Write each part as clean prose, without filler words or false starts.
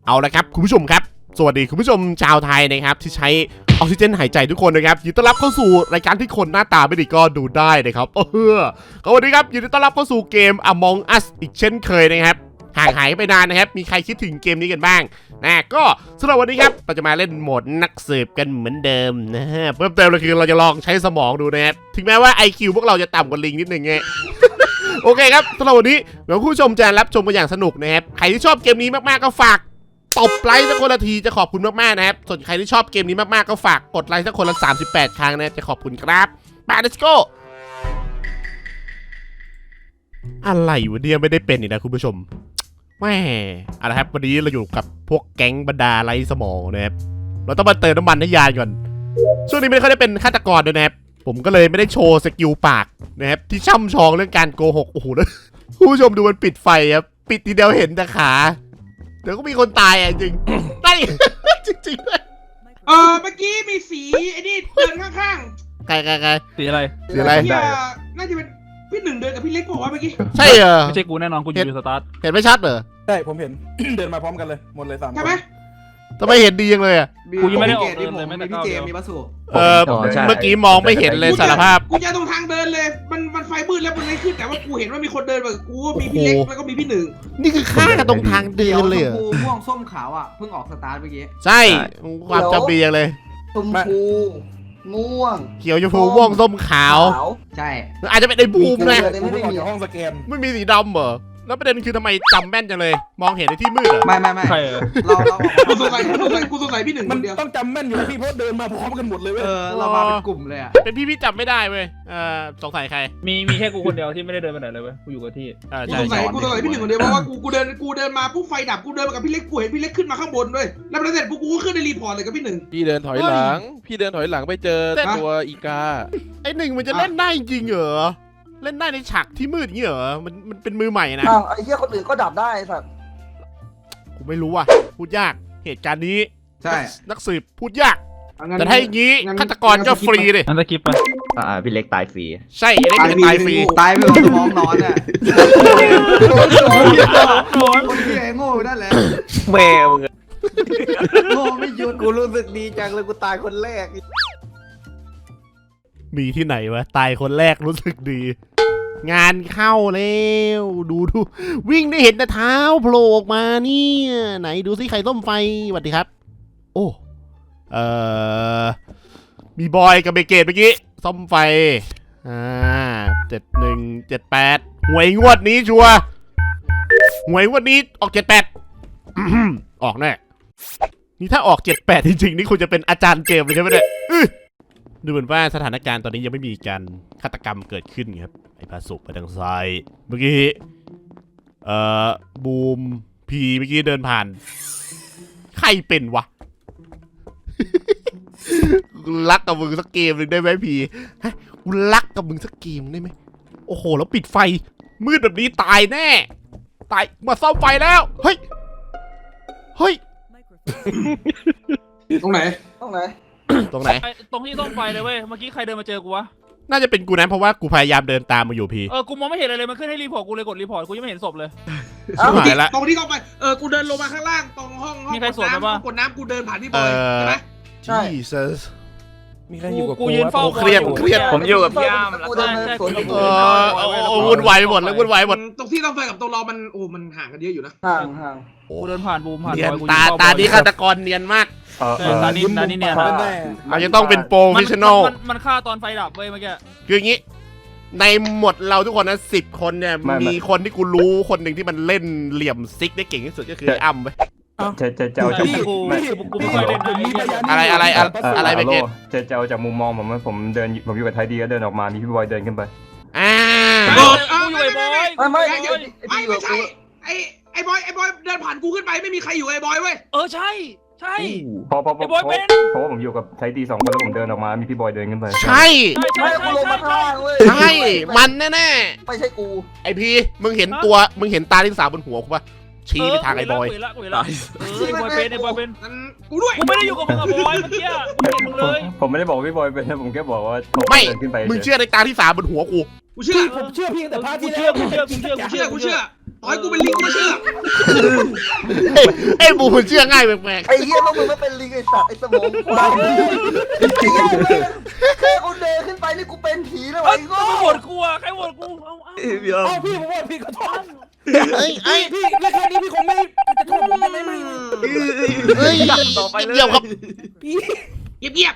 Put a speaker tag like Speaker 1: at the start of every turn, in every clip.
Speaker 1: เอาละครับคุณผู้ชมครับสวัสดีคุณผู้ชมชาวไทยนะครับที่ใช้ออกซิเจนหายใจทุกคนนะครับยินดีต้อนรับเข้าสู่รายการที่คนหน้าตาไม่ดีก็ดูได้นะครับก็วันนี้ครับยินดีต้อนรับเข้าสู่เกม Among Us อีกเช่นเคยนะครับห่างหายไปนานนะครับมีใครคิดถึงเกมนี้กันบ้างนะก็สำหรับวันนี้ครับเราจะมาเล่นโหมดนักสืบกันเหมือนเดิมนะฮะเพิ่มเติมเลยคือเราจะลองใช้สมองดูนะครับถึงแม้ว่า IQ พวกเราจะต่ำกว่าลิงนิดนึงไง โอเคครับสำหรับวันนี้เดี๋ยวคุณผู้ชมจะรับชมกันอย่างสนุกนะครับใครที่ชอบเกมนี้มากๆก็ฝากตบไลค์สักคนละทีจะขอบคุณมากๆนะครับส่วนใครที่ชอบเกมนี้มากๆก็ฝากกดไลค์สักคนละ38 ครั้งนะจะขอบคุณครับไป let's go อะไรวะเนี่ยไม่ได้เป็นอีกนะคุณผู้ชมแม่เอาละครับวันนี้เราอยู่กับพวกแก๊งบรรดาไร้สมองนะครับเราต้องมาเติมน้ำมันให้ยานก่อนช่วงนี้ไม่ค่อยได้เป็นฆาตกรด้วยนะครับผมก็เลยไม่ได้โชว์สกิลปากนะครับที่ช่ำชองเรื่องการโกหกโอ้โหแล้วคุณผู้ชมดูมันปิดไฟครับปิดทีเดียวเห็นแต่ขาเดี๋ยวก็มีคนตายอ่ะจริงได้ จริงๆเลย
Speaker 2: เมื่อกี้มีสีไอ้นี่เดินข้าง
Speaker 1: ใคร
Speaker 3: สีอะไร
Speaker 1: สีอะไร
Speaker 2: ๆน่าจะเป็นพี่หนึ่งเดินกับพี่เล็กบอกว่าเมื่อกี้
Speaker 1: ใช่เหรอ
Speaker 3: ไม่ใช่กูแน่นอนกูอยู่สตาร์ท
Speaker 1: เห็นไม่ชัดเหรอ
Speaker 4: ใช่ผมเห็น เดินมาพร้อมกันเลยหมดเลย3 คน
Speaker 2: ใช่ไหม
Speaker 1: ทำไมเห็นดีจังเลยอ่ะ
Speaker 3: กูยังไม่ได้ออกเดินเลยไม่ได้ก้าวเดียว
Speaker 2: มีบัสสุ
Speaker 1: เมื่อกี้มองไม่เห็นเลยสารภาพ
Speaker 2: กูจะตรงทางเดินเลยมันไฟมืดแล้วมันไม่ขึ้นแต่ว่ากูเห็นว่ามีคนเดินแบบกูมีพี่เล็กแล้วก็มีพี่หนึ่ง
Speaker 1: นี่คือฆ่ากันตรงทางเดินเลยเหรอ
Speaker 5: ชมพูม่วงส้มขาวอ่ะเพิ่งออกสตาร์ทเมื่อกี้
Speaker 1: ใช่ความจำเป็นยังเลย
Speaker 5: ชมพูม่วง
Speaker 1: เขียวชมพูม่วงส้มขาว
Speaker 5: ใช่
Speaker 1: อาจจะเป็นไอ้บูมนะ
Speaker 4: ผมเพิ่งออกจากห้องสแกน
Speaker 1: ไม่มีสีดำเหรอแล้วประเด็นคือทำไมจำแม่นจังเลยมองเห็นในที่มืดเหรอ
Speaker 5: ไม่
Speaker 3: ใช่
Speaker 5: เรา
Speaker 2: กูสงสัยพี่หนึ่ง
Speaker 4: มั
Speaker 2: คน นเดียว
Speaker 4: ต้องจำแม่นอยู่นะพี่เพราะเดินมาพร้อมกันหมดเลยเว้ย
Speaker 5: เรามาเป็นกลุ่มเลยอ่ะ
Speaker 1: เป็นพี่จำไม่ได้เว้ยสงสัยใคร
Speaker 3: มีแค่กูคนเดียวที่ไม่ได้เดินไปไหนเลยเว้ยกูอยู่กับที่
Speaker 2: กูสงสัยพี่หนึ่งคนเดียวเพราะว่ากูเดินมาปุ๊บไฟดับกูเดินมากับพี่เล็กกูเห็นพี่เล็กขึ้นมาข้างบนด้วยแล้วพอเสร็จปุ๊บกูก็ขึ้นในรีพอร์ตเลยกับพี่หนึ่ง
Speaker 6: พี่เดินถอยหลังไปเจอตัวอีกา
Speaker 1: ไอ้หนึ่งมันจะเล่นได้จริงเหรอเล่นได้ในฉากที่มืดอย่างนี้เหรอมันเป็นมือใหม่นะ
Speaker 5: ไอ้เหี้ยคนอื่นก็ดับได้สัตว์
Speaker 1: ผมไม่รู้อ่ะพูดยากเหตุการณ์นี้
Speaker 5: ใช่
Speaker 1: นักสืบพูดยากแต่ถ้าอย่างนี้ฆาตกรก็ฟรีเลย
Speaker 3: นั่นตะกิปไป
Speaker 7: พี่เล็กตายฟรี
Speaker 1: ใช่เล็กตายฟรี
Speaker 5: ตายไปกับสมองนอนอ่ะคนที่ไอ้โง่นั่นแหละ
Speaker 7: แม่มึง
Speaker 5: โง่ไม่หยุดกูรู้สึกดีจังเลยกูตายคนแรก
Speaker 1: มีที่ไหนวะตายคนแรกรู้สึกดีงานเข้าแล้วดูวิ่งได้เห็นแต่เท้าโผล่ออกมาเนี่ยไหนดูสิใครต้มไฟสวัสดีครับโอ้มีบอยกับเบเกตเมื่อกี้ซ่อมไฟ7178หวยงวดนี้ชัวหวยงวดนี้ออก78ออกแน่นี่ถ้าออก78จริงๆนี่คุณจะเป็นอาจารย์เกมเลยใช่ไหมเนี่ยดูเหมือนว่าสถานการณ์ตอนนี้ยังไม่มีการฆาตกรรมเกิดขึ้นครับไอ้พาสุไปทางซ้ายเมื่อกี้บูมพีเมื่อกี้เดินผ่านใครเป็นวะ กูรักกับมึงสักเกมหนึ่งได้ไหมพีกูรักกับมึงสักเกมได้ไหมโอ้โหแล้วปิดไฟมืดแบบนี้ตายแน่ตายมาซ่อมไฟแล้วเฮ้ย
Speaker 2: ตรงไหน
Speaker 1: ตรงไหน
Speaker 3: ตรงที่ต้องไฟเลยเว้ยเมื่อกี้ใครเดินมาเจอกูวะ
Speaker 1: น่าจะเป็นกูนะเพราะว่ากูพยายามเดินตามมาอยู่พี่
Speaker 3: กูมองไม่เห็นอะไรเลยมันขึ้นให้รีพอร์ตกูเลยกดรีพอร์ตกูยังไม่เห็นศพเลย
Speaker 1: ชิบหายละ
Speaker 2: ตรงที่ต้องไปกูเดินลงมาข้างล่างตรงห้อง
Speaker 3: มีใครสวนไหมวะ
Speaker 2: กดน้ำกูเดินผ่านพี่บอยใช่ไหม
Speaker 1: ใช่
Speaker 4: มีใครอยู่กับ
Speaker 3: กูยืนเฝ้า
Speaker 1: เครียด
Speaker 7: ผมอยู่กับพี่อ้าม
Speaker 5: กูเดินสวนกับกู
Speaker 1: วุ่นวายหมดแล้ววุ่นวายหมด
Speaker 2: ตรงที่ต้องไปกับตรงเรามันห่างกันเยอะอยู่นะ
Speaker 5: ห่าง
Speaker 3: กูเดินผ่านบูมผ่าน
Speaker 1: ตาดีฆาตกรเนียนมาก
Speaker 3: ตานี้เนี่ย
Speaker 1: เราจะต้องเป็นโปรเฟชชั่นอล
Speaker 3: มันฆ่าตอนไฟดับเว้ยเมื่อกี้
Speaker 1: คืออย่างนี้ในหมดเราทุกคนนะ10 คนเนี่ยมีคนที่กูรู้คนหนึ่งที่มันเล่นเหลี่ยมซิกได้เก่งที่สุดก็คืออ้ำไป
Speaker 7: จะเอาจาก
Speaker 3: กูไม่เคยเล่น
Speaker 1: อะไรไปเกต
Speaker 7: จะเอาจากมุมมองผมเดินผมอยู่กับไทยดีก็เดินออกมามีพี่บอยเดินขึ้นไป
Speaker 3: กูอยู่ไอ้บอย
Speaker 2: ไม่ใช่ไอ้บอยเดินผ่านกูขึ้นไปไม่มีใครอยู่ไอ้บอยเว้ย
Speaker 3: ใช่
Speaker 7: เพราะว่าผมอยู่กับไทยดี2 คนแล้วผมเดินออกมามีพี่บอยเดินขึ้นไป
Speaker 1: ใช่
Speaker 5: กูลงมาข้างเว้ย
Speaker 1: ใช่มันแน่
Speaker 5: ไม่ใช่กู
Speaker 1: ไอพีมึงเห็นตาที่3บนหัวกูปะชี้ไปทางไอ้บอย
Speaker 3: ไอ้บอยเป็น
Speaker 2: กูด้วย
Speaker 3: กูไม่ได้อยู่กับมึงกับบอยเมื่อกี้กูเห็นมึงเลย
Speaker 7: ผมไม่ได้บอกพี่บอยเป็นผมแค่บอกว่า
Speaker 1: ไม่มึงเชื่อในตาที่3บนหัวกู
Speaker 2: เชื่อ
Speaker 4: ผมเชื่อพี่แต่พาร์ทที่
Speaker 3: กูเชื่อ
Speaker 2: ต่อยกูเป็นลิงกูไม่เชื่อ
Speaker 1: ไอ้บูมันเชื่อง่ายแปลก
Speaker 5: ไอ้เหี้ยพวกมึงก็เป็นลิงไอ้สัตว์ไอ้สมองควายแค่กูเดินขึ้นไปนี่กูเป็นผีแล้ว
Speaker 3: เอ้ย
Speaker 5: ไอ้
Speaker 3: ใคร
Speaker 5: โง่
Speaker 3: โหวตกูอะใครโหวตกูเอาเอา
Speaker 4: เอาพี่ผมว่าพี่ขอโทษ
Speaker 1: ๆเอ้ยเอ้ย
Speaker 4: พี่แค่นี้พี่คงไม่จะโทษผมไม่
Speaker 1: เอ้ย
Speaker 5: ต่อไปเลย
Speaker 1: เดี๋ยวครับ
Speaker 4: พี่
Speaker 2: เงียบ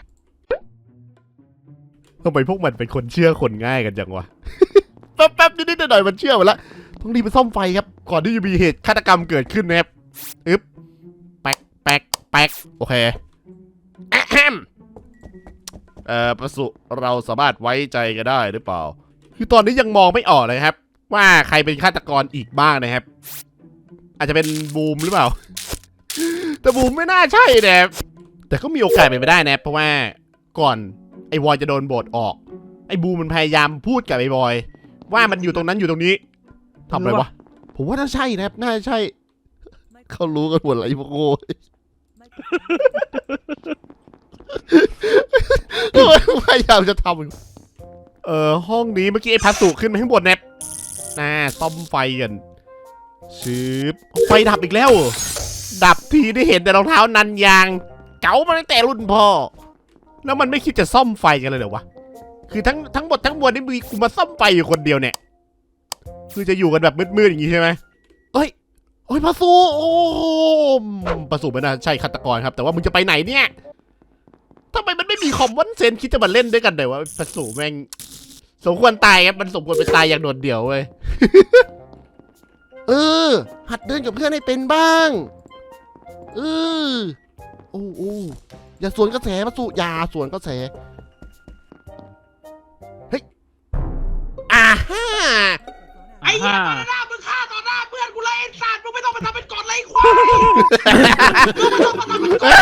Speaker 1: ทำไมพวกมันเป็นคนเชื่อคนง่ายกันจังวะ แป๊บๆนิดๆหน่อยๆมันเชื่อหมดละต้องรีบไปซ่อมไฟครับ ก่อนที่จะมีเหตุฆาตกรรมเกิดขึ้นนะครับอึ๊บแป๊กแป๊กแป๊กโอเคอะแฮมประสุเราสามารถไว้ใจกันได้หรือเปล่า คือตอนนี้ยังมองไม่ออกเลยครับ ว่าใครเป็นฆาตกรอีกบ้างนะครับ อาจจะเป็นบูมหรือเปล่า แต่บูมไม่น่าใช่นะครับแต่ก็มีโอกาสเป็นไปได้นะเพราะว่าก่อนไอ้บอยจะโดนโบดออกไอ้บูมมันพยายามพูดกับไอ้บอยว่ามันอยู่ตรงนั้นอยู่ตรงนี้ทำอะไรวะผมว่าน่าใช่นะครับน่าใช่เขารู้กันหมดเลยพวกโง่พยายามจะทำห้องนี้เมื่อกี้ไอ้พัสดุขึ้นมาข้างบนเนี่ยซ่อมไฟกันชืบไฟดับอีกแล้วเหรอดับทีได้เห็นแต่รองเท้านันยางเก๋ามาตั้งแต่รุ่นพ่อแล้วมันไม่คิดจะซ่อมไฟกันเลยเหรอวะคือทั้งหมดทั้งมวลนี่มีกูมาซ่อมไฟอยู่คนเดียวเนี่ยคือจะอยู่กันแบบมืดๆอย่างงี้ใช่ไหมเอ้ยพัสดุโอ้พัสดุไม่น่าใช่ฆาตกรครับแต่ว่ามึงจะไปไหนเนี่ยทำไมมันไม่มีคอมมอนเซนส์คิดจะมาเล่นด้วยกันเลยวะพัสดุแม่งสมควรตายครับมันสมควรไปตายอย่างโดดเดี่ยวเว้ย หัดเดินกับเพื่อนให้เป็นบ้างโอ้อย่าสวนกระแสพัสดุอย่าสวนกระแสเฮ้ยฮ่า
Speaker 2: ๆไอ้เหี้ยต่อหน้ามึงฆ่าต่อหน้าเพื่อนกูเลยไอ้สัตว์มึงไม่ต้องมาทำเป็นกอดเลยไอ้ควายมึงไม่ต้องมาทำเป็นกอด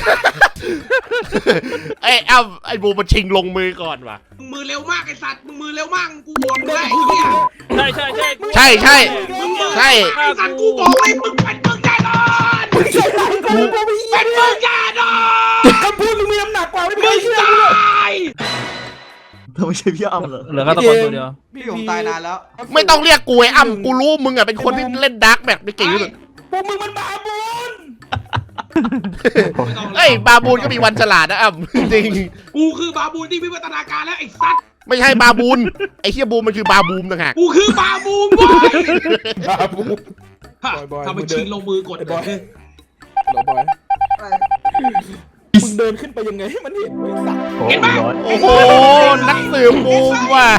Speaker 1: ไอ้บูมันชิงลงมือก่อนว่ะ
Speaker 2: มึงมือเร็วมากไอ้สัตว์มึงมือเร็วมากกูโหวตมึงเลยไอ้เหี้ย
Speaker 3: ใช่ใช่
Speaker 2: มึงมือ
Speaker 1: ใช่
Speaker 2: ไอ้สัตว์กูบอกเลยมึงเป็นมึงแน่นอนเป็นมึงแน่นอน
Speaker 4: คำพูดมึงมีน้ำหนักกว่าไม่
Speaker 2: มึง
Speaker 4: เชื่อ
Speaker 2: ตาย
Speaker 5: เธอไม่ใช่พี่อ้ำเหรอ
Speaker 3: เหลือฆาตกรตัวเดียว
Speaker 5: พี่ผมตายนานแล้ว
Speaker 1: ไม่ต้องเรียกกูไอ้อ้ำกูรู้มึงอะเป็นคนที่เล่นดาร์กแบบไม่เก่งที่สุด
Speaker 4: พวกมึงมันบาบูน
Speaker 1: เอ้ยบาบูนก็มีวันฉลาดนะอ้ำ จริง
Speaker 2: กูคือบาบูนที่วิวัฒนาการแล้วไอ้สัตว์
Speaker 1: ไม่ใช่บาบูนไอ้เฮียบูมมันคือบาบูมต่างหาก
Speaker 2: กูคือบาบูนบอย
Speaker 4: บาบูน บอย
Speaker 2: ทำไมชิงลงมือกด
Speaker 4: ไอ้บอยเราบอยมึงเดินขึ้นไปยังไงให้มันเห็นไอ้สัตว์
Speaker 2: เห็นปะ
Speaker 1: โอ้โหนักสืบบูมว่ะ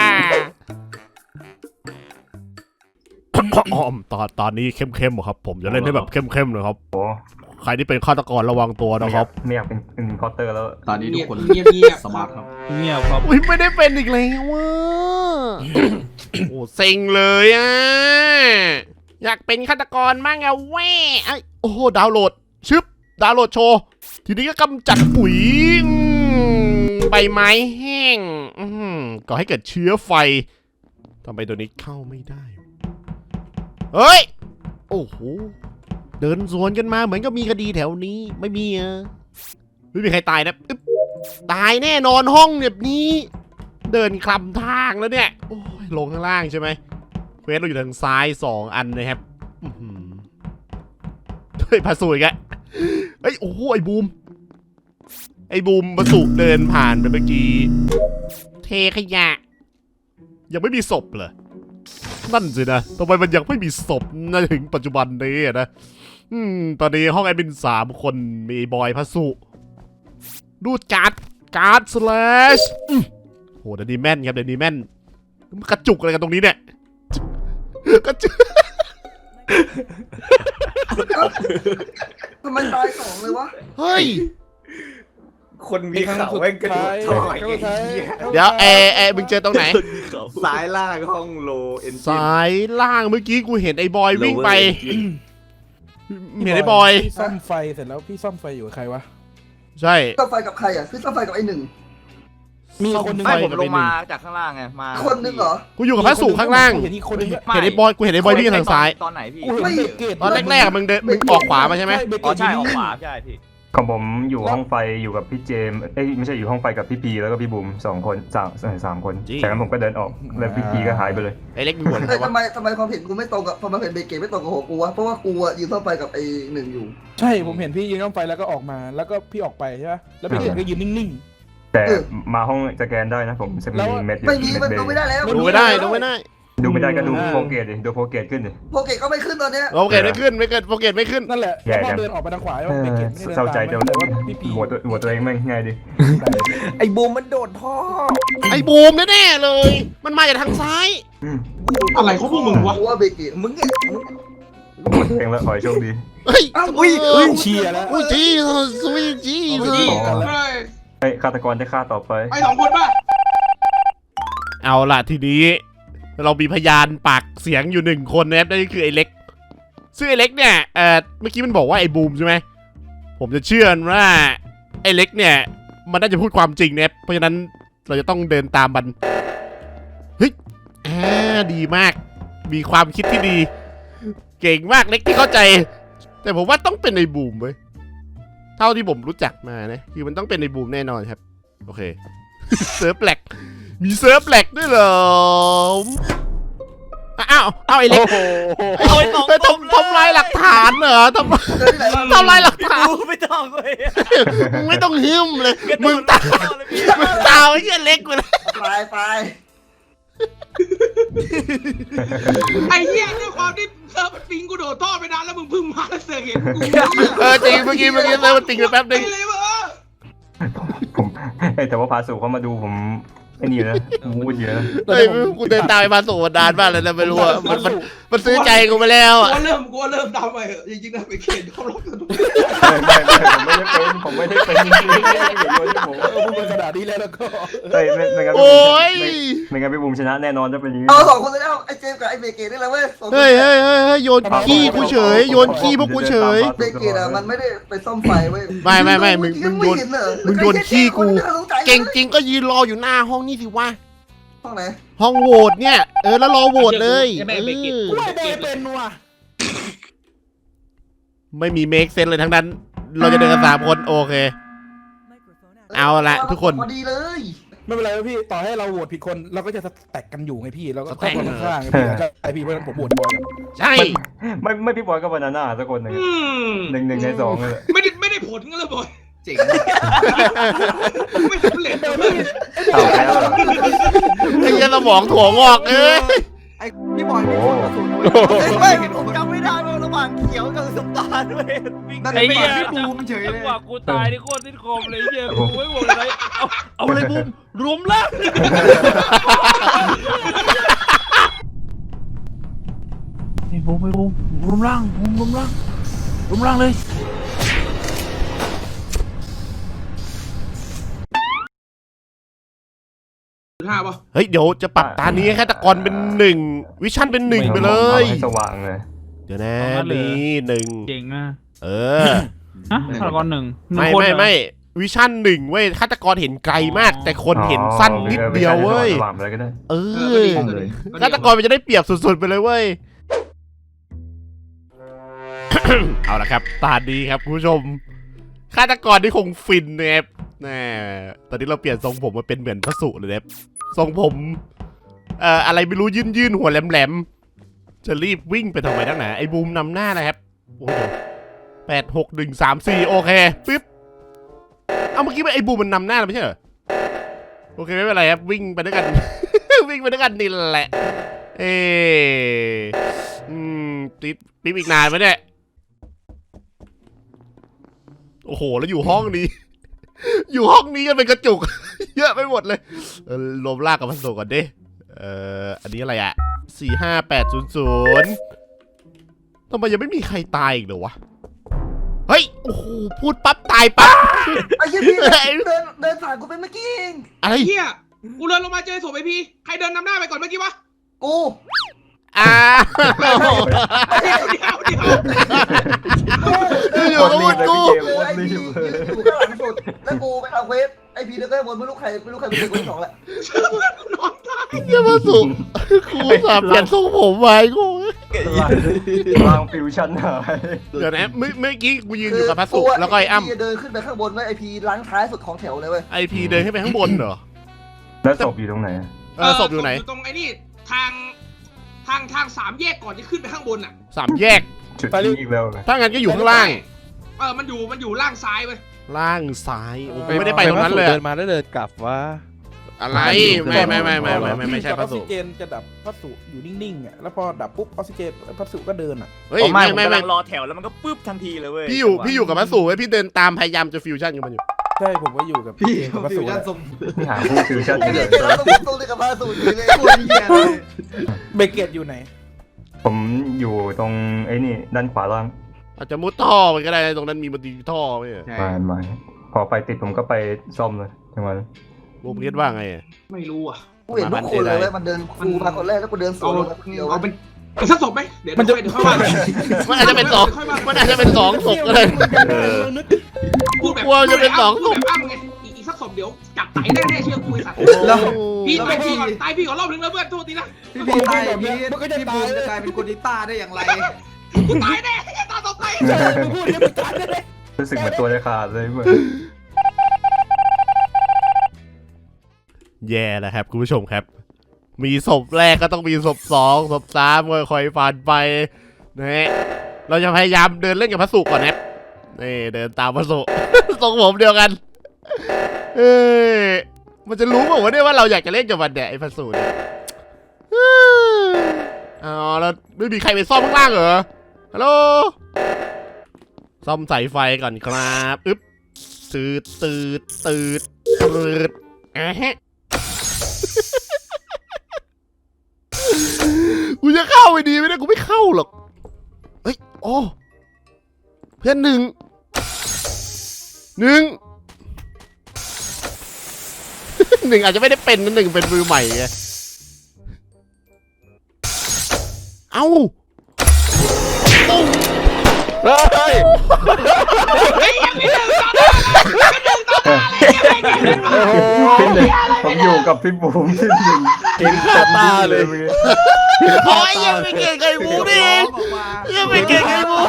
Speaker 1: ตอนนี้เข้มๆครับผมจะเล่นให้แบบเข้มๆเลยครับ
Speaker 7: โอ้
Speaker 1: ใครที่เป็นฆาตกรระวังตัวนะครับ
Speaker 7: ไม่อยากเป็นอินพอร์เตอร์แล้ว
Speaker 5: ตอนนี้ทุกคน
Speaker 2: เงียบ
Speaker 5: สมาร์ทครับ
Speaker 3: เงียบครับ
Speaker 1: อุ้ยไม่ได้เป็นอีกแล้วว่ะ โอ้เซ็งเลยอ่ะ อยากเป็นฆาตกรมั่งอะแว่ไอ้โอ้โหดาวน์โหลดชึบดาวน์โหลดโชว์ ทีนี้ก็กำจัดปุ๋ยใบไม้แห้งก่อให้เกิดเชื้อไฟทำไมตัวนี้เข้าไม่ได้ เฮ้ย โอ้โห เดินสวนกันมาเหมือนก็มีคดีแถวนี้ไม่มีอ่ะไม่มีใครตายนะอึ๊บตายแน่นอนห้องแบบนี้ เดินคลำทางแล้วเนี่ยโอ้ยลงข้างล่างใช่ไหมเควสเราอยู่ทางซ้าย2 อันนะครับเฮ้ยพาสุอีกแล้วเฮ้ยโอ้โหไอ้บูมพาสุเดินผ่านไปเมื่อกี้เทขยะยังไม่มีศพเหรอนั่นสินะทำไมมันยังไม่มีศพนะถึงปัจจุบันนี้นะตอนนี้ห้องแอดมิน3 คนมีบอยพาสุรูดการ์ดสแลชโหเดยวนี้แม่นครับเดยวนี้แม่นมันกระจุกอะไรกันตรงนี้เนี่ยกระจุก
Speaker 5: ทำไมตายสองเลยวะ
Speaker 1: เฮ้ย
Speaker 5: คนมีเขาแม่งกระโดดถอย
Speaker 1: เดี๋ยวมึงเจอตรงไหน
Speaker 5: สายล่างห้องโลเอ็น
Speaker 1: สายล่างเมื่อกี้กูเห็นไอ้บอยวิ่งไปเห็นไอ้บอย
Speaker 4: พี่ซ่อมไฟเสร็จแล้วพี่ซ่อมไฟอยู่กับใครวะ
Speaker 1: ใช่
Speaker 8: ซ่อมไฟกับใครอ่ะคือซ่อมไฟกับไอ้หนึ่ง
Speaker 4: มีคนหนึง
Speaker 1: ไม่
Speaker 5: ผมลงมาจากข้างล่างไงมา
Speaker 8: คนหนึ่งเหรอ
Speaker 1: กูอยู่กับพระสุข้างล่าง
Speaker 4: เห็นอีกคนหนึง
Speaker 1: เห็นไอ้บอยกูเห็นไอ้บอยวิ่งทางซ้าย
Speaker 5: ตอนไหนพี่
Speaker 4: กูเห็นเบรกเกต
Speaker 1: ตอนแรกๆมึงออกขวามาใช่ไหม
Speaker 5: อ๋อใช่ออกขวาใช่พี่
Speaker 7: ของผมอยู่ห้องไฟอยู่กับพี่เจมส์ไม่ใช่อยู่ห้องไฟกับพี่พีแล้วก็พี่บุ๋ม2 คนสามคนจากนั้นผมก็เดินออกแล้วพี่พีก็หายไปเลย
Speaker 1: ไอ้เล็กมีหัว
Speaker 8: เฮ้ยทำไมความเห็นกูไม่ตรงกับความเห็นเบเกตไม่ตรงกับหัวกูวะเพราะว่ากูอะยืนซ่อมไฟกับไอ้หนึ่งอยู่
Speaker 4: ใช่ผมเห็นพี่ยืนต้องไฟแล้วก็ออกมา แล้วก็พี่ออกไปใช่ไหมแล้วพี่เห็นก็ยืนนิ่ง
Speaker 7: แต่มาห้องสแกนได้นะผมจะมีเม็ดอยู่
Speaker 8: ไม่มี
Speaker 7: เม็
Speaker 8: มัน
Speaker 7: ดเบ
Speaker 8: ดูไม่ได้แล้ว
Speaker 1: ดูไม่ได้ดูไม่ได้
Speaker 7: ดูไม่ได้ก็ดูโปรเกตดิดูโปรเกตขึ้นดิ
Speaker 8: โปรเกตก็ไม่ขึ้นตอนเนี้ย
Speaker 1: โอเคไม่ขึ้นไม่เกิดโปรเกตไม่ขึ้น
Speaker 4: ๆนั่นแหละ
Speaker 7: แย่
Speaker 4: แล้วพอ
Speaker 7: จัง
Speaker 4: เดินออกไปทางขวาแล้วเบเกตไม่ได้เดิน
Speaker 7: เศร้าใจ
Speaker 4: ตาม
Speaker 7: แต่
Speaker 4: แต่ว่าพี่ปี
Speaker 7: หัวตัวเองแม่งง่ายดิ
Speaker 5: ไอ้บูมมันโดดท่อ
Speaker 1: ไอ้บูมแน่ๆเลย มันมาจากทางซ้าย
Speaker 2: อะไรของพวกมึงวะ
Speaker 8: กูว่าเบเกต
Speaker 5: มึงเนี่ย
Speaker 7: หัวตัวเองแล้วขอให้โชคดี
Speaker 1: เฮ้ย
Speaker 4: อุ้ยเชียร์แล้ว
Speaker 1: อุ้ยจีสวีจี
Speaker 2: เฮ้ย
Speaker 7: เฮ้ยฆาตกรได้ฆ่าต่อไป
Speaker 2: ไป2 คนป่ะ
Speaker 1: เอาล่ะทีนี้เรามีพยานปากเสียงอยู่1 คนนะครับนั่นก็คือไอ้เล็กซึ่งไอ้เล็กเนี่ยเมื่อกี้มันบอกว่าไอ้บูมใช่ไหมผมจะเชื่อว่าไอ้เล็กเนี่ยมันน่าจะพูดความจริงนะครับเพราะฉะนั้นเราจะต้องเดินตามมันเฮ้ยดีมากมีความคิดที่ดี เก่งมากเล็กที่เข้าใจ แต่ผมว่าต้องเป็นไอ้บูมเว้ยเท่าที่ผมรู้จักมานะคือมันต้องเป็นไอ้บูมแน่นอนครับโอเค เซิร์ฟแหลกมีเซิร์ฟแหลกด้วยเหรออ้าวไอ้เล็กทำลายหลักฐานเหรอทำลายหลักฐาน
Speaker 3: ไม่ต้องเลย
Speaker 1: มึงไม่ต้องหิ้มเลยมึงตามไอ้เหี้ยเล็กกูเลย
Speaker 8: ไป
Speaker 2: ไอ้เหี้ยด้วยความที่เซิร์ฟมันปิงกูโดดท่อไปนานแล้วมึงเพิ่งมาแล้วเสือกเห็นกู
Speaker 1: จริงเมื่อกี้เซิร์ฟมันติงไปแป๊บนึง
Speaker 2: ไอ้เลยวะ
Speaker 7: ผมแต่ว่าพาสุเขามาดูผมไอ้นี่นะมูดเยอะนะ
Speaker 1: เฮ้ยกูเดินตามไปมาสู่นานมากเลยนะไม่รู้อะมันซื้อใจกูไปแล้วอะ
Speaker 2: กูว่าเริ่มตามไปเหอะจริงๆนะไปเขียนเขาล็อกกันทุก
Speaker 7: ผมไม่ได้เป็นจริงๆอย่าโยนให้ผม
Speaker 4: พูดเป็นกระดาษนี้แล้วก็
Speaker 7: เฮ้ยไม่งั้น
Speaker 1: โอ้ย
Speaker 7: ไม่งั้นพี่บุ๋มชนะแน่นอนถ้าเป็นอย่างนี้
Speaker 8: เอา2 คนเลยแล้วไอ้เจมส์กับไอ้เบเกตนี่แหละเว้ยสองคน
Speaker 1: เฮ้ยโยนขี้กูเฉยโยนขี้พวกกูเฉย
Speaker 8: เบเกตอะมันไม่ได้ไปซ่อมไฟเว้ย
Speaker 1: ไม่มึงโยน
Speaker 8: ไเห็เหรอ
Speaker 1: มึงโยนขี้กู
Speaker 8: ไม่สงสัย
Speaker 1: เก่งจริงก็ยืนรออยู่หน้าห้องนี่สิวะ
Speaker 8: ห้องไหน
Speaker 1: ห้องโหวตเนี่ยแล้วรอโหวตเลยเออ
Speaker 4: กูไม่ได้เป็นว่ะ
Speaker 1: ไม่มีเมคเซนเลยทั้งนั้น เราจะเดินกัน3 คนโอเค เอาละทุกคน
Speaker 8: พอดีเลย
Speaker 4: ไม่เป็นไรพี่ต่อให้เราโหวตผิดคนเราก็จะแตกกันอยู่ไงพี่เราก็
Speaker 1: สแต็ก
Speaker 4: คนข้างๆพี่ก็ไอพี่เพราะฉะนั้นผมโหวตบอยกับ
Speaker 1: ใช่
Speaker 7: ไม่พี่บอยก็บานาน่าสักคนหนึ่งหนึ่งในสองเลย
Speaker 2: ไม่ได้ผลก็เลยบอยเจ๋งไม่สำเร็จเลย
Speaker 7: เอาแล้ว
Speaker 1: ไอ้เหี้ยสมองถั่วงอก
Speaker 5: ไอ้พี่บอยไม่พูดกระสุนไม่ผมจำไม่ได้ว่าระหว่างเขียวกับน้ำตาลด้วยนั่น
Speaker 3: ไอ้
Speaker 5: เป็น
Speaker 3: เหี้ย
Speaker 5: พี่บูมเฉย
Speaker 3: จั
Speaker 5: เล
Speaker 3: ง
Speaker 5: ย
Speaker 3: หวะกูตายนี่โคตรสิ้นคมเลยเหี้ยกูไม่บอกเลยเอาเลยบูมรวมล่างนี่บูมรวมล่างรวมล่างเลย
Speaker 2: 5 ป่ะ
Speaker 1: เฮ้ยเดี๋ยวจะปรับตานี้ให้ฆาตกรเป็น1วิชั่นเป็น1ไปเลย
Speaker 7: ให้สว่างเลย
Speaker 1: เดี๋ยวนะนี่1
Speaker 3: เก่งอ่ะ
Speaker 1: เออ
Speaker 3: ฮะฆาตกร1
Speaker 1: ไม่วิชั่น1เว้ยฆาตกรเห็นไกลมาก แต่คนเห็นสั้นนิดเดียวเว้ย
Speaker 7: สว่างไปเลยก็ได้
Speaker 1: เออฆาตกรมันจะได้เปรียบสุดๆไปเลยเว้ย เอาละครับตาดีครับคุณผู้ชมฆาตกรที่คงฟินนะครับแน่ตอนนี้เราเปลี่ยนทรงผมมาเป็นเหมือนพระสุเลยนะครับทรงผมอะไรไม่รู้ยื่นหัวแหลมๆจะรีบวิ่งไปทำไมนักหนาไอ้บูมนำหน้านะครับโอ้โห8 6 1 3 4โอเคปึ๊บเอาเมื่อกี้ไอ้บูมมันนำหน้าไม่ใช่เหรอโอเคไม่เป็นไรครับวิ่งไปด้วยกัน วิ่งไปด้วยกันนี่แหละติดปิ๊บอีกนานไหมเนี่ยโอ้โหแล้วอยู่ห้องนี้ อยู่ห้องนี้กันเป็นกระจุก เยอะไปหมดเลยรวมลากกับพันโซก่อนดิอันนี้อะไรอะ45800ทำไมยังไม่มีใครตายอีกเหรอวะเฮ้ยโอ้โหพูดปั๊บตายปั๊บ
Speaker 8: ไอ้เหี้ยพี่เดินผ่านกูไปเมื่อกี้เอง
Speaker 1: อะไร
Speaker 2: เฮียกูเดินลงมาเจอศพไอพี่ใครเดินนำหน้าไปก่อนเมื่อกี้วะ
Speaker 8: กู
Speaker 1: อยู่กับมึงกู
Speaker 8: ไอ้พีอยู่ข้างหลังสุดแล้วกูไปทำเควสไอ้พีแล้วก็บนไม่รู้ใครเป็นเควส2แหละ
Speaker 1: เยี่ยมสุดกูสาบเปลี่ยนทรงผมไว้กู
Speaker 7: ร่างฟิวชั่นหาย
Speaker 1: เดี๋ยวนะเมื่อกี้กูยืนอยู่กับพัสดุแล้วก็ไอ้อ้ำ
Speaker 8: เดินขึ้นไปข้างบนไว้ไอพีล้างท้ายสุดของแถวเลยเว้ย
Speaker 1: ไอพีเดินขึ้นไปข้างบนเหรอ
Speaker 7: แล้วศพอยู่ตรงไหน
Speaker 1: ศพอยู่ไหน
Speaker 2: ตรงไอ้นี่ทางสามแยกก่อนจะขึ้นไปข้างบนอ่ะ
Speaker 1: 3 แยก
Speaker 7: จุดนี้อีกแล้วเลย
Speaker 1: ถ้างั้นก็อยู่ข้างล่าง
Speaker 2: มันอยู่ล่างซ้ายเว้ย
Speaker 1: ล่างซ้ายโอ้กูไม่ได้ไปตรงนั้นเลย
Speaker 6: เดิ
Speaker 1: อะ
Speaker 6: นมาแล้วเดินกลับว่า
Speaker 1: อะไรไม่ใช่พั
Speaker 4: อ
Speaker 1: ส
Speaker 4: อกซิ
Speaker 1: ดุ
Speaker 4: เจนจะดับพัสดุอยู่นิ่งๆอ่ะแล้วพอดับปุ๊บออกซิเจนพัสดุก็เดินอ่ะ
Speaker 1: เฮ้ย
Speaker 3: ผม
Speaker 1: ไม่
Speaker 3: กำลังรอแถวแล้วมันก็ปึ๊บทันทีเลยเว้ย
Speaker 1: พี่อยู่กับพัสดุไว้พี่เดินตามพยายามจะฟิวชั่นกับมันอยู่
Speaker 4: ใช่ผมก็อยู่กับพี่กับพัสดุ
Speaker 7: หาผู้ฟิวชั่น
Speaker 8: ไอ้
Speaker 7: เย
Speaker 8: เด็ก
Speaker 7: อะ
Speaker 8: เราต้องเล่นกับพาสูตรเลยโคตรเหี้ยเลย
Speaker 4: เบเกตอยู่ไหน
Speaker 7: ผมอยู่ตรงไอ้นี่ด้านขวาล่าง
Speaker 1: อาจจะมุดท่อไปก็ได้ตรงนั้นมีบันดีท่อไหมอะ
Speaker 7: ไม่พอไฟติดผมก็ไปซ่อมเลยจังหวะนั้น
Speaker 1: บูมคิดว่าไงอะ
Speaker 2: ไม่รู้อ่ะ
Speaker 8: กูเห็นทุกคนเลยเว้ยมันเดินคูมาคนแรกแล้วกูเดินส
Speaker 2: เอา
Speaker 8: วนลงมาคนเดียว
Speaker 2: เอาเป็นสักศพไหมเดี๋ยวค่อยว่า
Speaker 1: มันอาจจะเป็น2มันอาจจะเป็น2ศพก็ได้
Speaker 2: พูดแบบ
Speaker 1: กลัวจะเป็น2ศพ
Speaker 2: แบบอ้ำไงอีกสักศพเดี๋ยวจับไตแน่ๆเชื่อกูไอ้สัตว์
Speaker 5: แล้ว
Speaker 2: พี่ตายพี่ก่อนตายพี่ก่อนรอบนึงแล้วเพื่อนโทษทีนะ
Speaker 5: พี่พีตายพี่บูมจะกลายเป็นคนดิต้าได้อย่างไร
Speaker 2: กูตายแน่ตาต่อไป
Speaker 4: พูดยังไม่ตายเลย
Speaker 7: รู้สึกเหมือนตัวจะขาดเลยเหมือน
Speaker 1: แย่แล้วครับคุณผู้ชมครับ มีศพแรกก็ต้องมีศพ2ศพ3ค่อยๆผ่านไปนะฮะเราจะพยายามเดินเล่นกับพัสดุก่อนนะนี่เดินตามพัสดุ ทรงผมเดียวกันมันจะรู้เปล่าวะเนี่ยว่าเราอยากจะเล่นกับมันเนี่ยไอ้พัสดุเนี่ยอ๋อแล้วไม่มีใครไปซ่อมข้างล่างเหรอฮัลโหลซ่อมสายไฟก่อนครับอึ๊บตืดกูจะเข้าไปดีไหมเนี่ยกูไม่เข้าหรอกเฮ้ยโอ้เพื่อนหนึ่งอาจจะไม่ได้เป็นนะ1เป็นมือใหม่ไงเอ้า
Speaker 2: เฮ้ยยังไม่ถึงตอนนั้น
Speaker 7: ผมอยู่กับพี่บูมที่หนึ่งเก่งขาตาเลย
Speaker 1: โอ้ยยังไม่เก่งไก่บูนี่ยังไม่เก่งไก่บู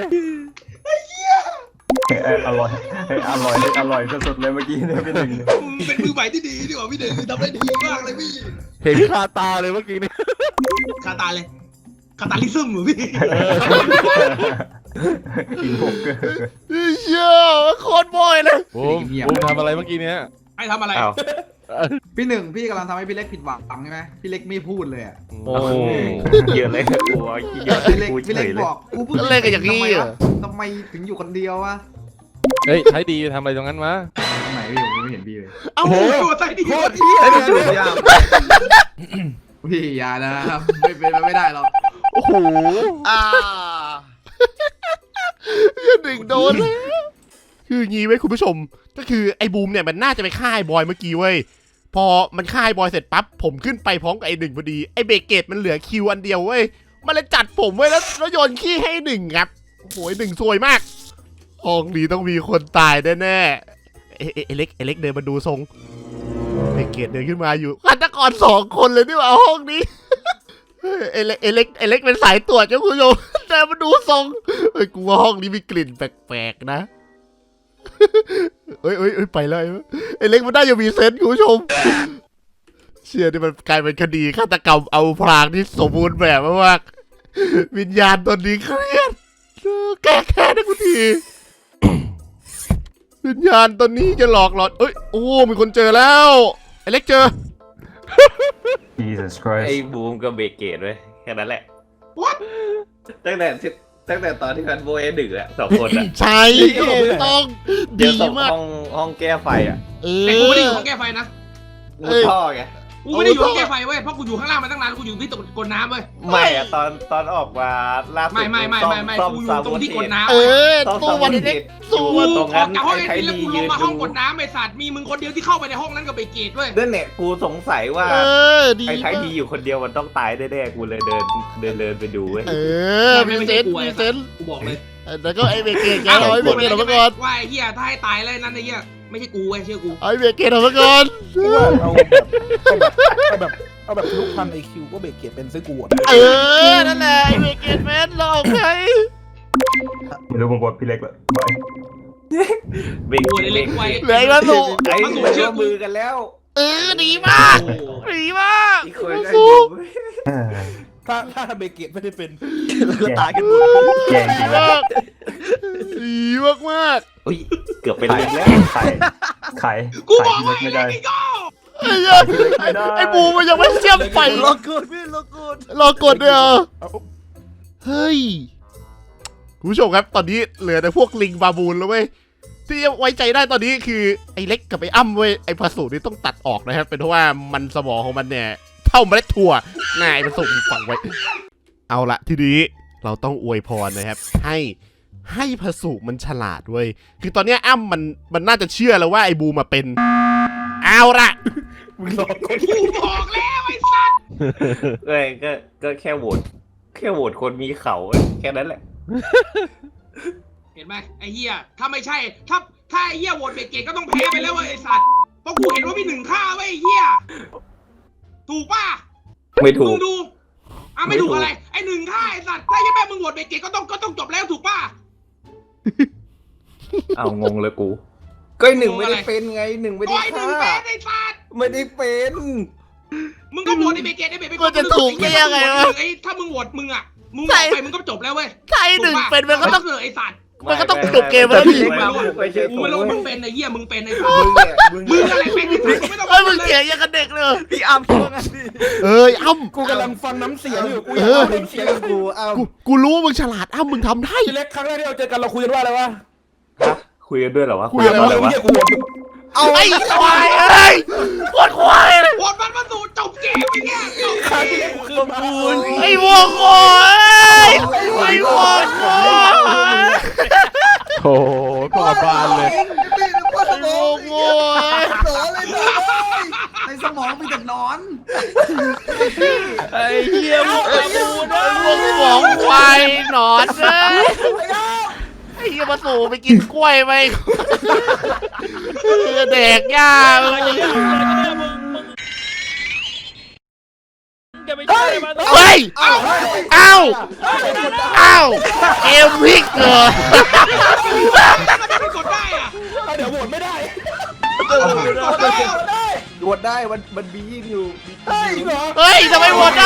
Speaker 7: อร่อยสุดๆเลยเมื่อกี้เนี่ยพี่หนึ่ง
Speaker 2: เป็นมือใหม่ที่ดีดีกว่าพี่เดชทำได้ดีมากเลยพี่
Speaker 6: เห็นคาตาเลยเมื่อกี้นี่
Speaker 2: คาตาเลยคาตาลิซึมเหรอพี่
Speaker 7: กินพกเกอร์
Speaker 1: เชี่ยโคตรบ่อยเลย
Speaker 6: บูมทำอะไรเมื่อกี้เนี้ย
Speaker 2: ไอ้ทำอะไร
Speaker 5: พี่หนึ่งพี่กำลังทำให้พี่เล็กผิดหวังใช่ไหมพี่เล็กไม่พูดเลยอ่ะ
Speaker 6: โอ้
Speaker 3: เยอะเลยกลัวเยอะ
Speaker 5: พี่เล็ก
Speaker 3: กู
Speaker 5: พี่
Speaker 3: เฉ
Speaker 5: เล็ก
Speaker 3: ยเลย
Speaker 5: บอกกูพูด
Speaker 1: เล่นกันอย่างนี้เหรอ
Speaker 5: ทำไมถึงอยู่คนเดียววะ
Speaker 6: เฮ้ยใช้ดีทำอะไรตรงนั้นวะ
Speaker 5: ทำไมพี่ผมไม่เห็นพี่เลย
Speaker 1: เอ้า
Speaker 2: ตัวใจดี
Speaker 5: โคตรพี่พี่อย่านะไม่เป็นไม่ได้หรอก
Speaker 1: โอ้โหหนึ่งโดนเลยคืองี้ไว้ยคุณผู้ชมก็คือไอ้บูมเนี่ยมันน่าจะไปฆ่าไอ้บอยเมื่อกี้เว้ยพอมันฆ่าไอ้บอยเสร็จปั๊บผมขึ้นไปพร้อมกับไอ้1พอดีไอ้เบเกตมันเหลือคิวอันเดียวเว้ยมันเลยจัดผมไว้แล้วโยนขี้ให้1ครับโอ้โห1ซวยมากห้องนี้ต้องมีคนตายแน่ๆเอเล็กเดินมาดูทรงเบเกตเดินขึ้นมาอยู่ฆาตกร2คนเลยนี่หว่าห้องนี้เอเล็กเป็นสายตรวจเจ้าคุณผู้ชมแต่มาดูทรงเฮ้ยกูว่าห้องนี้มีกลิ่นแปลกๆนะเอ้ยไปเลยไอเล็กมันได้ยังมีเซนส์คุณผู้ชมเชื่อที่มันกลายเป็นคดีฆาตกรรมเอาพรางที่สมบูรณ์แบบมากๆวิญญาณตนนี้เครียดแก้แค้นให้กูที วิญญาณตนนี้จะหลอกหลอนเอ้ยโอ้มีคนเจอแล้วไอเล็กเจอ
Speaker 7: Jesus Christ
Speaker 3: ไอ้บูมกับเบเกตเว้ยแค่นั้นแหละ
Speaker 2: What?
Speaker 3: ตั้งแต่ตอนที่มันโบยดึกอะ2 คนอะ
Speaker 1: ใช่ต้อง
Speaker 3: เดี๋
Speaker 1: ดี
Speaker 3: ยวส่ง
Speaker 1: มาก
Speaker 3: ห้องแก้ไฟอะ
Speaker 2: แต่กูไม่ได้อยู่ห้องแก้ไฟนะ
Speaker 3: รูท่อไง
Speaker 2: กูไม่ได้อยู่ห้องแก้ไฟเว้ยเพราะกูอยู่ข้างล่างมาตั้งนานกูอยู่ที่ตรงกดน้ำเว้ย
Speaker 3: ไม่อะตอนออกมาล่าสุด
Speaker 2: ไม่กูอยู่ตรงที่กดน้ำ
Speaker 1: ตู้วันเล็ก
Speaker 3: สู้ตรง
Speaker 2: อ
Speaker 3: นั้
Speaker 2: อก
Speaker 3: น
Speaker 2: จากห้อง
Speaker 3: ไอ้
Speaker 2: ไอ้
Speaker 3: ไท
Speaker 2: ที
Speaker 3: ย
Speaker 2: แล้วกูลงมา
Speaker 3: ดียืน
Speaker 2: ห้
Speaker 3: ดู
Speaker 2: องกดน้ำไอ้สัตว์มีมึงคนเดียวที่เข้าไปในห้องนั้นกับเบเกตเว้ย
Speaker 3: นั่นแหละกูสงสัยว่า
Speaker 1: ดี
Speaker 3: ไอ้ไทยดีอยู่คนเดียวมันต้องตายแน่ๆกูเลยเดินไปดูเว้ย
Speaker 1: มีเซนมีเซน
Speaker 2: กูบอกเลย
Speaker 1: แล้วก็ไอเบเกตแกเอาไอเบเกตออกมาก่อน
Speaker 2: ว่าไอ้เหี้ยถ้าให้ตายเลยนั่นไอ้เหี้ยไม่ใช่กูเว้ยเชื่อกู
Speaker 1: ไอเบเกตออกมาก่อน
Speaker 4: กูว่าเอาแบบเอาแบบทะลุพันไอคิวก็เบรกเกียร์เป็นซื้อกูอ่ะ
Speaker 1: นั่นแหละไอ้เบเกตแมนหลอกใคร
Speaker 7: ไม่รู้ผมบทพี่เล็กละบาย
Speaker 3: เบรก
Speaker 2: โอ้ยเล็กไว้
Speaker 1: เหลืออีกแล้วสู
Speaker 3: ไอ้
Speaker 2: มาสู่
Speaker 3: เชื่
Speaker 2: เชื่
Speaker 3: อ
Speaker 2: อ
Speaker 3: มื
Speaker 2: มื
Speaker 3: อ
Speaker 2: อ
Speaker 3: กันแล้ว
Speaker 1: ดีมากดีมาก
Speaker 3: อีกคนก็
Speaker 1: สู้
Speaker 4: ถ้าเบรกเกียร์ไม่ได้เป็น
Speaker 3: ตายกันหมด
Speaker 7: แย่จริง
Speaker 1: ดี
Speaker 7: นะ
Speaker 1: มากดีมากมาก
Speaker 3: อุ้ยเกือบเป็นเล็กแล้ว
Speaker 7: ไข่ไข่
Speaker 2: กู
Speaker 7: ไข่
Speaker 2: บอก
Speaker 7: พี่
Speaker 2: ว่า
Speaker 7: เล็กไม่
Speaker 2: ไอ้
Speaker 7: ได้
Speaker 2: ไอ้โง่
Speaker 1: ไอ้บูมันยังไม่เชื่อมไฟ
Speaker 3: รอกูพี่รอกู
Speaker 1: รอกดด้วยเหรอ
Speaker 4: เอา
Speaker 1: เฮ้ยคุณผู้ชมครับตอนนี้เหลือแต่พวกลิงบาบูนแล้วเว้ยที่ไว้ใจได้ตอนนี้คือไอ้เล็กกับไอ้อ้ำเว้ยไอ้ผสูนี่ต้องตัดออกนะครับเป็นเพราะว่ามันสมองของมันเนี่ยเท่าเมล็ดถั่วง่ายผสมฝังไว้ เอาละทีนี้เราต้องอวยพรนะครับให้ผสูมันฉลาดเว้ยคือตอนเนี้ยอ้ำมันน่าจะเชื่อแล้วว่าไอ้บูมาเป็นเอาละ
Speaker 4: มึงรอคน
Speaker 2: กูบอกแล้วไอ้สัตว์
Speaker 3: ก็แค่โหวตคนมีเขาแค่นั้นแหละ
Speaker 2: เห็นไหมไอ้เหี้ยถ้าไม่ใช่ถ้าไอ้เหี้ยโหวตเบเกตก็ต้องแพ้ไปแล้วเว้ยไอ้สัตว์เพราะกูเห็นว่ามี1ฆ่าเว้ยไอ้เหี้ยถูกป่ะ
Speaker 3: ไม่ถู
Speaker 2: มึ
Speaker 3: ก
Speaker 2: งดูไม่ถูกอะไรไอ้1ฆ่าไอ้สัตว์ถ้ายังแม่มึงโหวตเบเกตก็ต้องจบแล้วถูกป่ะ
Speaker 3: เอางงเลยกู ก็หนึ่งไม่ได้เป็นไงหนึ่งไม่ได้
Speaker 2: โอ้ยหนึ่ง
Speaker 3: ฆ่า
Speaker 2: เป็นไอ้สัตว์
Speaker 3: ไม่ได้เป็น
Speaker 2: มึงก็โหวตไอ้เบเกตไอ้เบเกต
Speaker 1: ก็จะถูกได้ยังไงวะ
Speaker 2: ไอ้ถ้ามึงโหวตมึงอะมึงออกไปมึงก็จบแล้วเว้ย
Speaker 1: ถ้าไอ้หนึ่งเป็นมันก็ต้อง
Speaker 2: ไอ้สัตว์
Speaker 1: มันก็ต้องจบเกมแล้วดิ
Speaker 3: ไม่ใช่
Speaker 2: กู
Speaker 3: ถูก
Speaker 2: ไม่รู้ว่า
Speaker 3: เว้
Speaker 2: มึ
Speaker 3: ย
Speaker 2: งเป็นไอ้เหี้ยมึงเป็นไอ้สัตว์
Speaker 3: มึง
Speaker 2: มึงอะไรเป็นไอ้สัตว์ไม่ต้อง
Speaker 1: เฮ้ยมึงเสียงยังกับเด็กเลย
Speaker 3: พี่อ้ำพูดงั้นดิ
Speaker 1: เอ้ยอ้ำ
Speaker 4: กูกำลังฟังน้ำเสียงอยู่กู
Speaker 1: เอ
Speaker 4: อยาก
Speaker 1: อ
Speaker 4: ฟังน้ำเสียง
Speaker 3: กูอ้ำ
Speaker 1: กูรู้ว่ามึงฉลาดอ้ำมึงทำได้
Speaker 4: ทีเล็กครั้งแรกที่เราเจอกันเราคุยกันว่าอะไรวะ
Speaker 3: คุยกันด้วยเหรอวะ
Speaker 1: คุยอะไรวะ
Speaker 4: เรียกกูหมด
Speaker 1: ไอ้ควายเอ้ยโคตรควายเลย
Speaker 2: โหวตมันมาสู่จบเกมไอ้เหี้ยจบ
Speaker 4: ครั้งที่เล็กกูขึ้นมา
Speaker 1: ไอ้วัวโคยไอ้วัวโคย
Speaker 6: โอ้โหพวกบ้านเลย
Speaker 8: พี่พ่อส
Speaker 1: ไอ้
Speaker 8: ม
Speaker 1: วั
Speaker 8: อ
Speaker 1: ว
Speaker 8: ง
Speaker 1: โคย
Speaker 8: เสอเลยเสอเลยในสมองมีแต่นอน
Speaker 3: ไอ้เหี้ยมึงเอาบูนะ
Speaker 1: ไอ้วัวหมองควายหนอนเลยไอ้เหี้ยมาสู่ไปกินกล้วยไปแดกหญ้ามึง
Speaker 3: จะไม่ใช่มา
Speaker 1: เฮ้ยเอ้าเกมพลิกเหรอ
Speaker 2: ไม่กดได้อะ
Speaker 4: เดี๋ยวโหวตไม่ได้
Speaker 3: โหวตได้มันบียิ่งอยู่
Speaker 4: จริงเหรอ
Speaker 1: เฮ้ยทำไมโหวตได้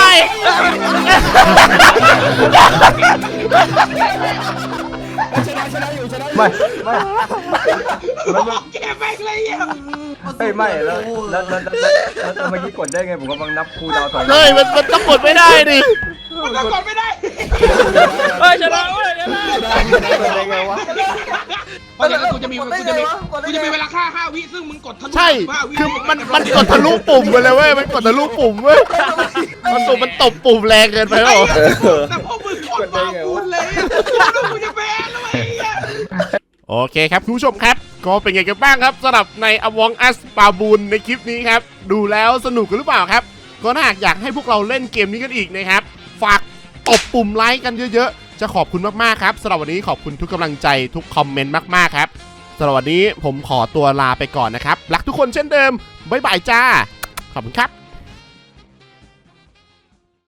Speaker 4: ชนะอยู่ชนะอยู่
Speaker 7: ไม่ไม่
Speaker 2: บอกเกมแม่งเลยเหี้ย
Speaker 7: เฮ้ยไม่แล้วเมื่อกี้กดได้ไงผมกำลังนับคูลดาวน์ถอยหลัง
Speaker 1: เฮ้ยมันต้องกดไม่ได้ดิ
Speaker 2: มันก็กดไม่ได้
Speaker 3: เฮ้ยชนะเว้ยชนะ
Speaker 7: ได้ไงวะ
Speaker 2: เพราะฉะนั้นกูจะมีเวลาฆ่า5 วิซึ่งมึงกดทะลุ
Speaker 1: ใช่
Speaker 2: 5 วิ
Speaker 1: คือมันกดทะลุปุ่มไปเลยเว้ยมันกดทะลุปุ่มเว้ยมันตบปุ่มแรงเกินไปเปล่า
Speaker 2: แต่พวกมึงกดมาคุณเลยกูจะแพ้แล้วไอ้เหี้ย
Speaker 1: โอเคครับคุณผู้ชมครับ ก็เป็นไงกันบ้างครับสำหรับใน Among Us ปาบูนในคลิปนี้ครับดูแล้วสนุกกันหรือเปล่าครับก็ถ้าอยากให้พวกเราเล่นเกมนี้กันอีกนะครับฝากตบปุ่มไลค์กันเยอะๆจะขอบคุณมากๆครับสำหรับวันนี้ขอบคุณทุกกำลังใจทุกคอมเมนต์มากๆครับสำหรับวันนี้ผมขอตัวลาไปก่อนนะครับรักทุกคนเช่นเดิมบ๊ายบายจ้าขอบคุณครับ